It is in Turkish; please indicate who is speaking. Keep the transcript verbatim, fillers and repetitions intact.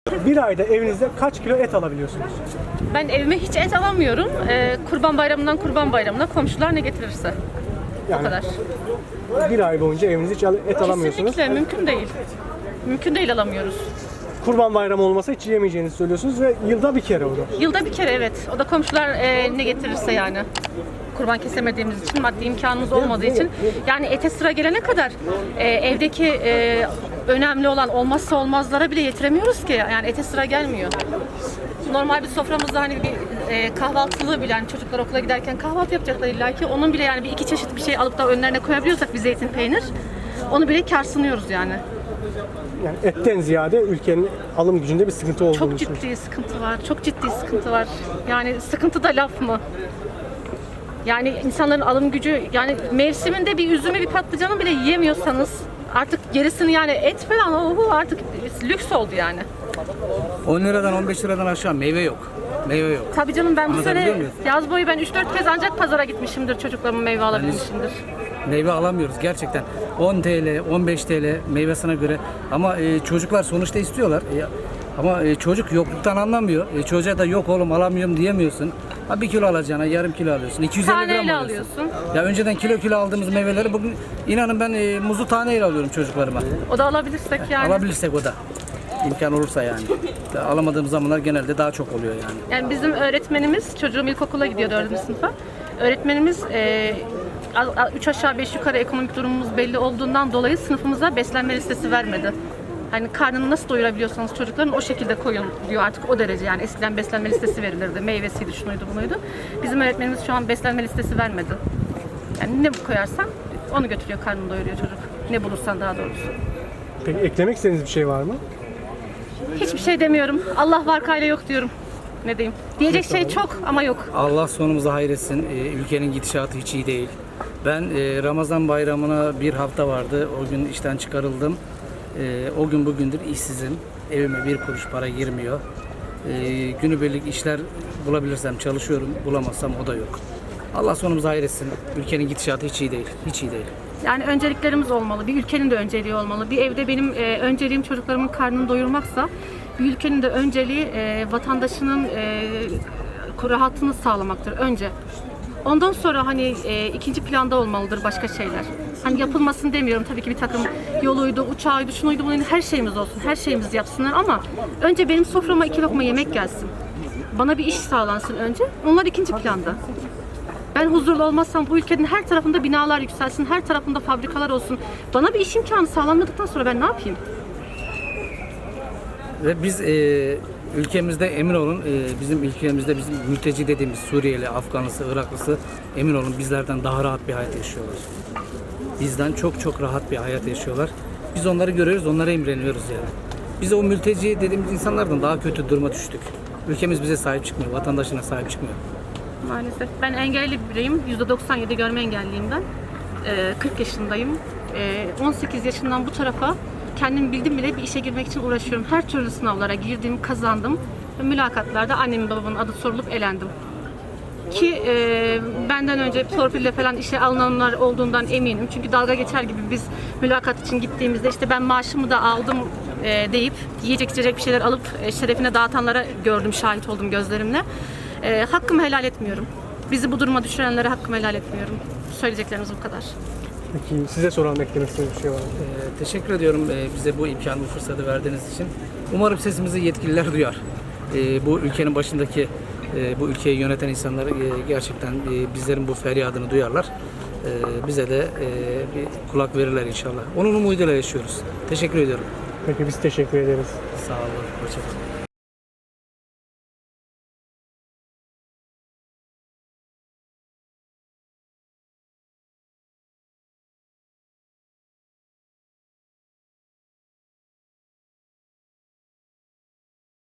Speaker 1: Bir ayda evinizde kaç kilo et alabiliyorsunuz?
Speaker 2: Ben evime hiç et alamıyorum. Ee, kurban bayramından kurban bayramına komşular ne getirirse.
Speaker 1: Yani
Speaker 2: O kadar.
Speaker 1: bir ay boyunca evinizde hiç et alamıyorsunuz.
Speaker 2: Kesinlikle mümkün değil. Mümkün değil, alamıyoruz.
Speaker 1: Kurban bayramı olmasa hiç yiyemeyeceğinizi söylüyorsunuz ve yılda bir kere o da.
Speaker 2: Yılda bir kere, evet. O da komşular e, ne getirirse yani. Kurban kesemediğimiz için, maddi imkanımız olmadığı için. Yani ete sıra gelene kadar e, evdeki e, önemli olan olmazsa olmazlara bile yetiremiyoruz ki. Yani ete sıra gelmiyor. Normal bir soframızda hani bir e, kahvaltılığı bile, hani çocuklar okula giderken kahvaltı yapacaklar illa ki. Onun bile yani bir iki çeşit bir şey alıp da önlerine koyabiliyorsak bir zeytin, peynir, onu bile kârsınıyoruz yani.
Speaker 1: Yani etten ziyade ülkenin alım gücünde bir sıkıntı olduğunu
Speaker 2: Çok ciddi sıkıntı var. Çok ciddi sıkıntı var. Yani sıkıntı da laf mı? Yani insanların alım gücü, yani mevsiminde bir üzümü, bir patlıcanı bile yiyemiyorsanız artık gerisini, yani et falan ohu artık lüks oldu yani.
Speaker 3: on liradan on beş liradan aşağı meyve yok. Meyve yok.
Speaker 2: Tabii canım, ben bu
Speaker 3: Anlatabiliyor
Speaker 2: sene
Speaker 3: muyum?
Speaker 2: yaz boyu ben üç dört kez ancak pazara gitmişimdir, çocuklarımın meyve alabilmişimdir.
Speaker 3: Meyve alamıyoruz gerçekten. on TL, on beş TL meyvesine göre. Ama e, çocuklar sonuçta istiyorlar. E, ama e, çocuk yokluktan anlamıyor. E, çocuğa da yok oğlum alamıyorum diyemiyorsun. Ha bir kilo alacağına yarım kilo alıyorsun. iki yüz elli gram
Speaker 2: Taneyle
Speaker 3: alıyorsun.
Speaker 2: alıyorsun.
Speaker 3: Ya önceden kilo kilo aldığımız meyveleri bugün inanın ben e, muzu taneyle alıyorum çocuklarıma.
Speaker 2: O da alabilirsek yani.
Speaker 3: Alabilirsek o da. İmkan olursa yani. Alamadığımız zamanlar genelde daha çok oluyor yani.
Speaker 2: Yani bizim öğretmenimiz, çocuğum ilkokula gidiyor dördüncü sınıfa. Öğretmenimiz e, üç aşağı beş yukarı ekonomik durumumuz belli olduğundan dolayı sınıfımıza beslenme listesi vermedi. Hani karnını nasıl doyurabiliyorsanız çocukların o şekilde koyun diyor artık, o derece yani. Eskiden beslenme listesi verilirdi, meyvesiydi, şunuydu bunuydu. Bizim öğretmenimiz şu an beslenme listesi vermedi. Yani ne koyarsan onu götürüyor, karnını doyuruyor çocuk. Ne bulursan daha doğrusu.
Speaker 1: Peki eklemek istediğiniz bir şey var mı?
Speaker 2: Hiçbir şey demiyorum. Allah var, kayla yok diyorum. Ne diyeyim? Diyecek şey çok ama yok.
Speaker 3: Allah sonumuzu hayretsin. Ee, ülkenin gidişatı hiç iyi değil. Ben e, Ramazan bayramına bir hafta vardı. O gün işten çıkarıldım. E, o gün bugündür işsizim. Evime bir kuruş para girmiyor. E, günübirlik işler bulabilirsem çalışıyorum. Bulamazsam o da yok. Allah sonumuzu hayretsin. Ülkenin gidişatı hiç iyi değil. Hiç iyi değil.
Speaker 2: Yani önceliklerimiz olmalı. Bir ülkenin de önceliği olmalı. Bir evde benim e, önceliğim çocuklarımın karnını doyurmaksa, bir ülkenin de önceliği e, vatandaşının e, rahatını sağlamaktır önce. Ondan sonra hani e, ikinci planda olmalıdır başka şeyler. Hani yapılmasın demiyorum tabii ki, bir takım yoluydu, uçağıydı, şunuydu, bunuydu, her şeyimiz olsun, her şeyimizi yapsınlar ama önce benim soframa iki lokma yemek gelsin. Bana bir iş sağlansın önce, onlar ikinci planda. Ben huzurlu olmazsam bu ülkenin her tarafında binalar yükselsin, her tarafında fabrikalar olsun. Bana bir iş imkanı sağlanmadıktan sonra ben ne yapayım?
Speaker 3: Ve biz e, ülkemizde emin olun, e, bizim ülkemizde bizim mülteci dediğimiz Suriyeli, Afganlısı, Iraklısı emin olun bizlerden daha rahat bir hayat yaşıyorlar. Bizden çok çok rahat bir hayat yaşıyorlar. Biz onları görüyoruz, onlara imreniyoruz yani. Biz o mülteci dediğimiz insanlardan daha kötü duruma düştük. Ülkemiz bize sahip çıkmıyor, vatandaşına sahip çıkmıyor.
Speaker 2: Maalesef. Ben engelli bir bireyim. yüzde doksan yedi görme engelliyim ben. Ee, kırk yaşındayım. Ee, on sekiz yaşından bu tarafa kendim bildim bile bir işe girmek için uğraşıyorum. Her türlü sınavlara girdim, kazandım. Ve mülakatlarda annemin babamın adı sorulup elendim. Ki e, benden önce torpille falan işe alınanlar olduğundan eminim. Çünkü dalga geçer gibi biz mülakat için gittiğimizde işte ben maaşımı da aldım e, deyip yiyecek içecek bir şeyler alıp e, şerefine dağıtanlara gördüm, şahit oldum gözlerimle. E, hakkımı helal etmiyorum. Bizi bu duruma düşürenlere hakkımı helal etmiyorum. Söyleyeceklerimiz bu kadar.
Speaker 1: Peki size soralım, eklemek istediğiniz bir şey var mı?
Speaker 3: Ee, teşekkür ediyorum e, bize bu imkanı, bu fırsatı verdiğiniz için. Umarım sesimizi yetkililer duyar. E, bu ülkenin başındaki, e, bu ülkeyi yöneten insanlar e, gerçekten e, bizlerin bu feryadını duyarlar. E, bize de e, bir kulak verirler inşallah. Onun umuduyla yaşıyoruz. Teşekkür ediyorum.
Speaker 1: Peki biz teşekkür ederiz.
Speaker 3: Sağ olun. Hoşçakalın.